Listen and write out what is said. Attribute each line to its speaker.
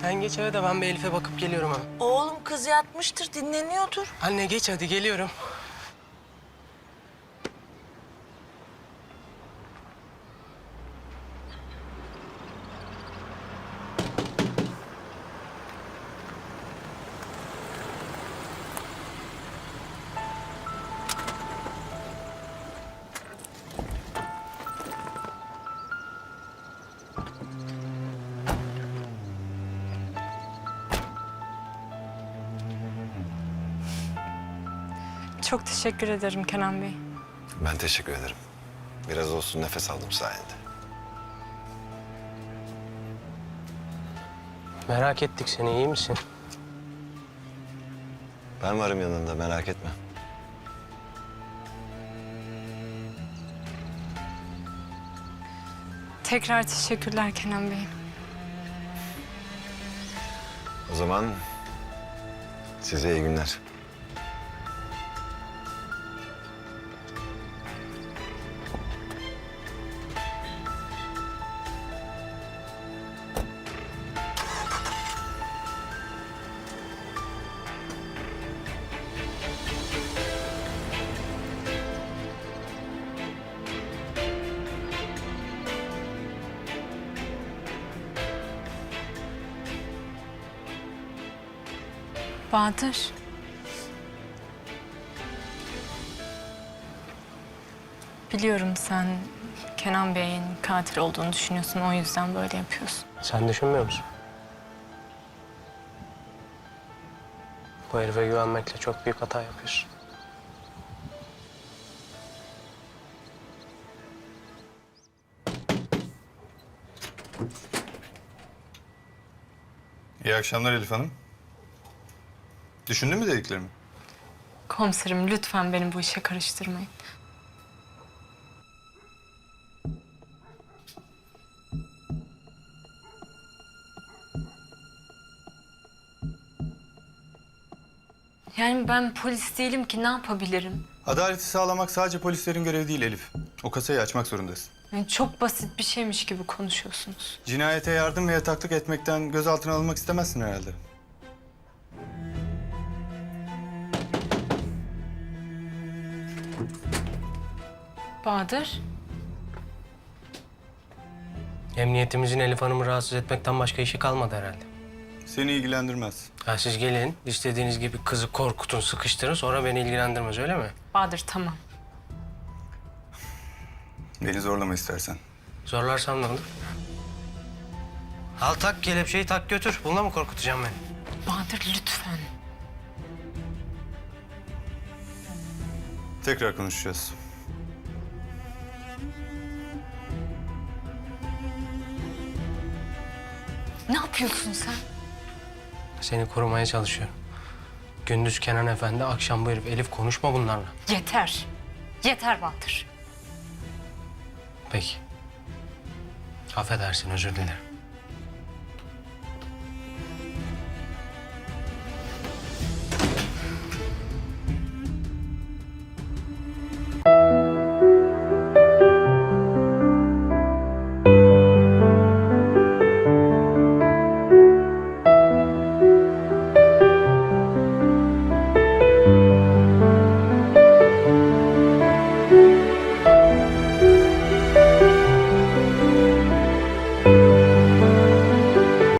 Speaker 1: Sen geç eve de ben bir Elif'e bakıp geliyorum hemen.
Speaker 2: Oğlum kız yatmıştır, dinleniyordur.
Speaker 1: Anne geç hadi geliyorum.
Speaker 3: Çok teşekkür ederim Kenan Bey.
Speaker 4: Ben teşekkür ederim. Biraz olsun nefes aldım sayende.
Speaker 1: Merak ettik seni, iyi misin?
Speaker 4: Ben varım yanında, merak etme.
Speaker 3: Tekrar teşekkürler Kenan Bey.
Speaker 4: O zaman size iyi günler.
Speaker 3: Bahadır. Biliyorum sen Kenan Bey'in katil olduğunu düşünüyorsun. O yüzden böyle yapıyorsun.
Speaker 1: Sen düşünmüyor musun? Bu herife güvenmekle çok büyük hata yapıyorsun.
Speaker 5: İyi akşamlar Elif Hanım. Düşündün mü dediklerimi?
Speaker 3: Komiserim lütfen beni bu işe karıştırmayın. Yani ben polis değilim ki ne yapabilirim?
Speaker 5: Adaleti sağlamak sadece polislerin görevi değil Elif. O kasayı açmak zorundasın.
Speaker 3: Yani çok basit bir şeymiş gibi konuşuyorsunuz.
Speaker 5: Cinayete yardım ve yataklık etmekten gözaltına alınmak istemezsin herhalde.
Speaker 3: Bahadır.
Speaker 1: Emniyetimizin Elif Hanım'ı rahatsız etmekten başka işi kalmadı herhalde.
Speaker 5: Seni ilgilendirmez.
Speaker 1: Ha, siz gelin, istediğiniz gibi kızı korkutun, sıkıştırın, sonra beni ilgilendirmez, öyle mi?
Speaker 3: Bahadır tamam.
Speaker 5: Beni zorlama istersen.
Speaker 1: Zorlarsam ne olur? Al tak kelepçeyi, tak götür. Bununla mı korkutacağım beni?
Speaker 3: Bahadır lütfen.
Speaker 5: Tekrar konuşacağız.
Speaker 3: Ne yapıyorsun sen?
Speaker 1: Seni korumaya çalışıyorum. Gündüz Kenan Efendi, akşam bu herif. Elif konuşma bunlarla.
Speaker 3: Yeter. Yeter Bahadır.
Speaker 1: Peki. Affedersin, özür dilerim.